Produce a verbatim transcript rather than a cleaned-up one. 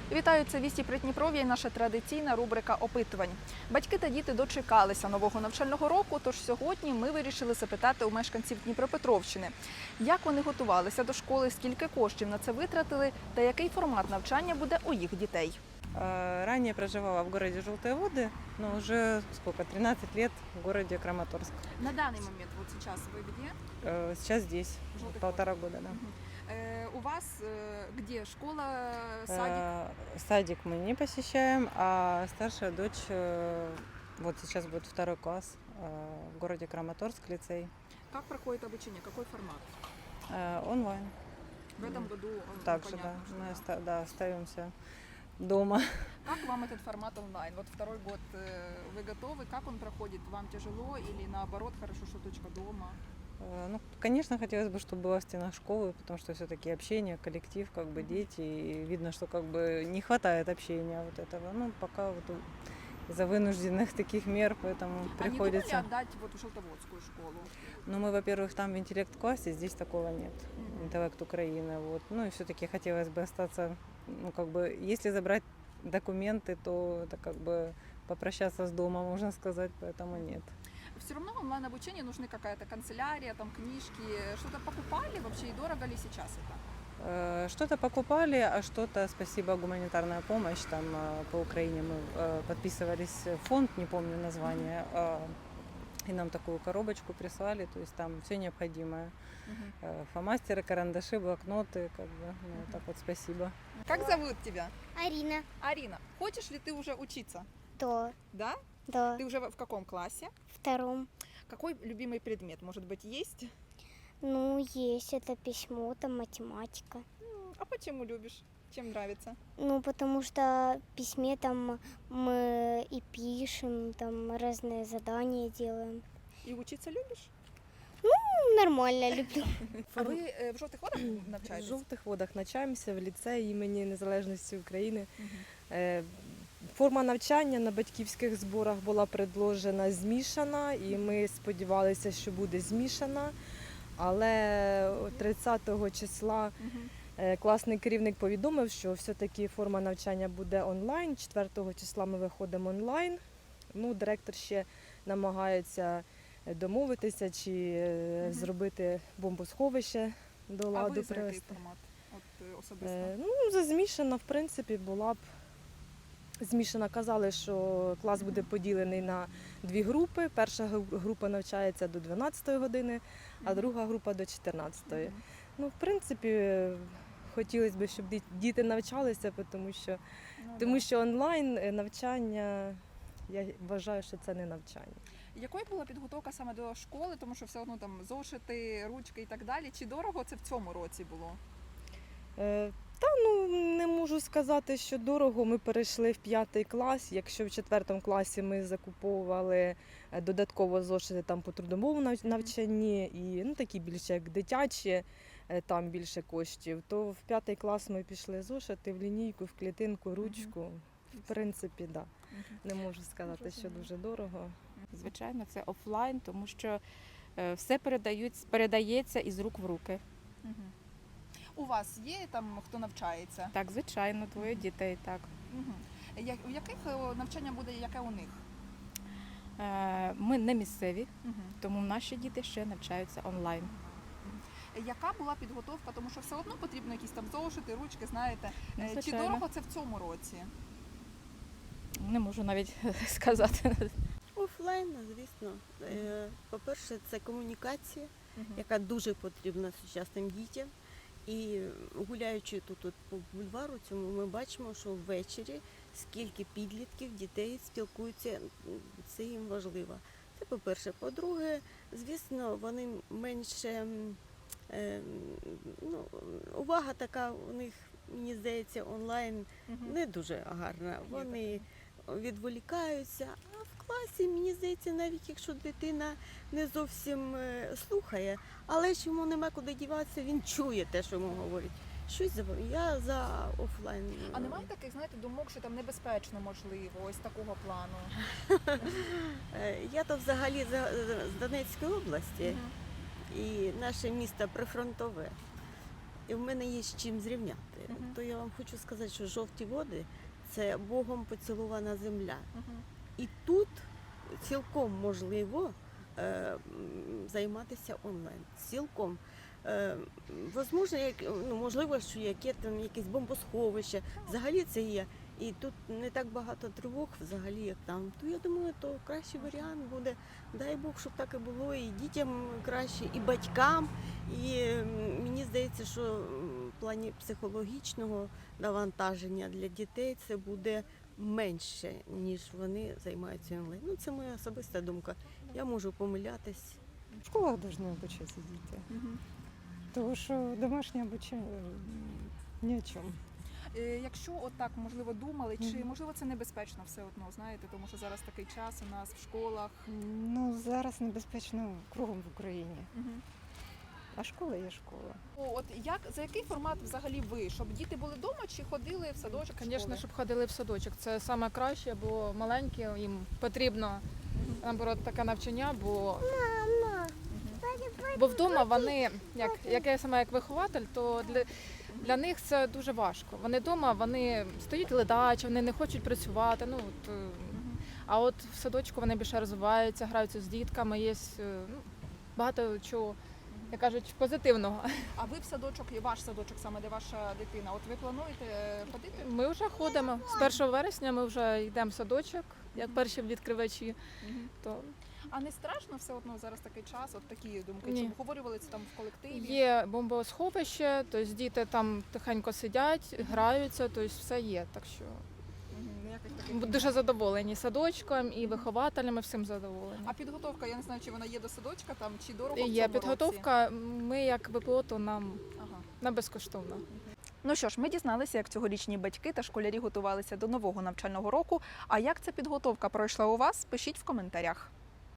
Вітаю, це «Вісті Придніпров'я» і наша традиційна рубрика опитувань. Батьки та діти дочекалися нового навчального року, тож сьогодні ми вирішили запитати у мешканців Дніпропетровщини, як вони готувалися до школи, скільки коштів на це витратили та який формат навчання буде у їх дітей. Ранее проживала в городе Желтые Воды, но уже сколько, тринадцать лет в городе Краматорск. На даний момент, вот сейчас ви де? Э, Сейчас здесь, Желтых полтора года, да. У вас где? Школа, садик? Э, Садик мы не посещаем, а старшая дочь, э, вот сейчас будет второй класс э, в городе Краматорск, лицей, Как проходит обучение? Какой формат? э, онлайн. В этом году э, Также, да, понятно, что мы да. оста- да, остаемся дома. Как вам этот формат онлайн? Вот второй год э, вы готовы? Как он проходит? Вам тяжело или наоборот хорошо, что точка дома? Э, Ну, конечно, хотелось бы, чтобы было в стенах школы, потому что все-таки общение, коллектив, как бы дети, и видно, что как бы не хватает общения вот этого. Ну, пока вот у- из-за вынужденных таких мер, поэтому А не приходится. думали отдать вот в Желтоводскую школу? Ну, мы, во-первых, там в интеллект-классе, здесь такого нет. Мгм. Интеллект Украины, вот. Ну, и все-таки хотелось бы остаться, ну, как бы, если забрать документы, то это как бы попрощаться с домом, можно сказать, поэтому нет. Все равно онлайн обучение нужны какая-то канцелярия, там книжки. Что-то покупали вообще и дорого ли сейчас это? Э, Что-то покупали, а что-то, спасибо, гуманитарная помощь. Там э, по Украине мы э, подписывались в фонд, не помню название, э, и нам такую коробочку прислали, то есть там все необходимое. Э, Фломастеры, карандаши, блокноты, как бы, ну, вот так вот спасибо. Как зовут тебя? Арина. Арина. Хочешь ли ты уже учиться? Да, Да? да, Ты уже в каком классе? втором. Какой любимый предмет? Может быть, есть? Ну, есть это письмо, там математика. М, А почему любишь? Чем нравится? Ну, потому что в письме там мы и пишем, там разные задания делаем. И учиться любишь? Ну, нормально, люблю. А ви е, в жовтих водах В навчаєтесь? жовтих водах навчаємося в ліцеї імені Незалежності України. Мгм. Е, Форма навчання на батьківських зборах була предложена змішана, і ми сподівалися, що буде змішана. Але тридцятого числа Мгм. е, класний керівник повідомив, що все-таки форма навчання буде онлайн. четвертого числа ми виходимо онлайн. Ну, директор ще намагається домовитися чи е, Мгм. зробити бомбосховище до А ладу ви за який привести. формат? От е, особисто. Е, Ну, за змішана, в принципі, була б змішана. Казали, що клас буде поділений на дві групи. Перша гру- група навчається до дванадцятої години, а Мгм. друга група до чотирнадцятої. Мгм. Ну, в принципі, хотілося б, щоб ді- діти навчалися, тому що, Ну, тому да. що онлайн е, навчання, я вважаю, що це не навчання. Якою була підготовка саме до школи, тому що все одно там зошити, ручки і так далі. Чи дорого це в цьому році було? Е, Та ну не можу сказати, що дорого. Ми перейшли в п'ятий клас. Якщо в четвертому класі ми закуповували е, додатково зошити там по трудовому нав- навчанні і ну такі більше як дитячі, е, там більше коштів, то в п'ятий клас ми пішли зошити в лінійку, в клітинку, ручку. В принципі, да. Не можу сказати, що дуже дорого. Звичайно, це офлайн, тому що е, все передають, передається із рук в руки. Мгм. У вас є там хто навчається? Так, звичайно, двоє дітей, так. Мгм. Я- У яких е, навчання буде, яке у них? Е, Ми не місцеві, Мгм. тому наші діти ще навчаються онлайн. Яка була підготовка? Тому що все одно потрібно якісь там зошити, ручки, знаєте. Ну, Е, Чи звичайно. дорого це в цьому році? Не можу навіть сказати. Офлайн, звісно. Е, По-перше, це комунікація, Мгм. яка дуже потрібна сучасним дітям. І гуляючи тут от по бульвару цьому, ми бачимо, що ввечері скільки підлітків, дітей спілкуються, м, це їм важливо. Це по-перше. По-друге, звісно, вони менше, м, е, ну, увага така у них, мені здається, онлайн Мгм. не дуже гарна. Є Вони відволікаються, а в класі, мені здається, навіть якщо дитина не зовсім е, слухає, але ж йому нема куди діватися, він чує те, що йому говорять. Щось за я за офлайн. А немає таких, знаєте, думок, що там небезпечно можливо, ось такого плану? Е, Я то взагалі за- з Донецької області, Мгм. і наше місто прифронтове. і в мене є з чим зрівняти. Мгм. То я вам хочу сказати, що жовті води це Богом поцілована земля. Мгм. І тут цілком можливо е, м, займатися онлайн. Цілком. Е, возможно, як, ну, можливо, що яке там якесь бомбосховище. Взагалі це є. І тут не так багато тривог, взагалі, як там. То я думаю, то кращий варіант буде. Дай Бог, щоб так і було, і дітям краще, і батькам. І м, мені здається, що м, в плані психологічного навантаження для дітей це буде менше, ніж вони займаються онлайн. Ну, це моя особиста думка. Я можу помилятись. В школах должны обучаться діти. Мгм. Тому що домашнє обучення м, ні о чому. Е, Якщо отак, можливо, думали, чи Мгм. можливо це небезпечно все одно, знаєте, тому що зараз такий час у нас в школах. Ну, зараз небезпечно кругом в Україні. Мгм. А школа є школа. О, От як за який формат взагалі ви? Щоб діти були вдома чи ходили в садочок? в Звісно, школи? щоб ходили в садочок. Це саме краще, бо маленькі їм потрібно наоборот таке навчання, бо, бо вдома вони, як, як я сама як вихователь, то для, для них це дуже важко. Вони вдома, вони стоять ледачі, вони не хочуть працювати. Ну, от, е, а от в садочку вони більше розвиваються, граються з дітками, є е, ну, багато чого, як кажуть, позитивного. А ви в садочок, і ваш садочок, саме де ваша дитина? От ви плануєте е, ходити? Ми вже ходимо. З першого вересня ми вже йдемо в садочок, як перші відкривачі. Мгм. То А не страшно все одно зараз такий час? От такі думки? Ні. Чи обговорювали це там в колективі? є бомбосховище, тобто діти там тихенько сидять, граються, тобто все є. Так що Мгм, ніяких таких ми немає. дуже задоволені садочком і вихователями, всім задоволені. А підготовка, я не знаю, чи вона є до садочка там, чи дорого в І цьому є році? підготовка. Ми як ВПО, то нам Ага. на безкоштовно. Ну що ж, ми дізналися, як цьогорічні батьки та школярі готувалися до нового навчального року. А як ця підготовка пройшла у вас? Пишіть в коментарях.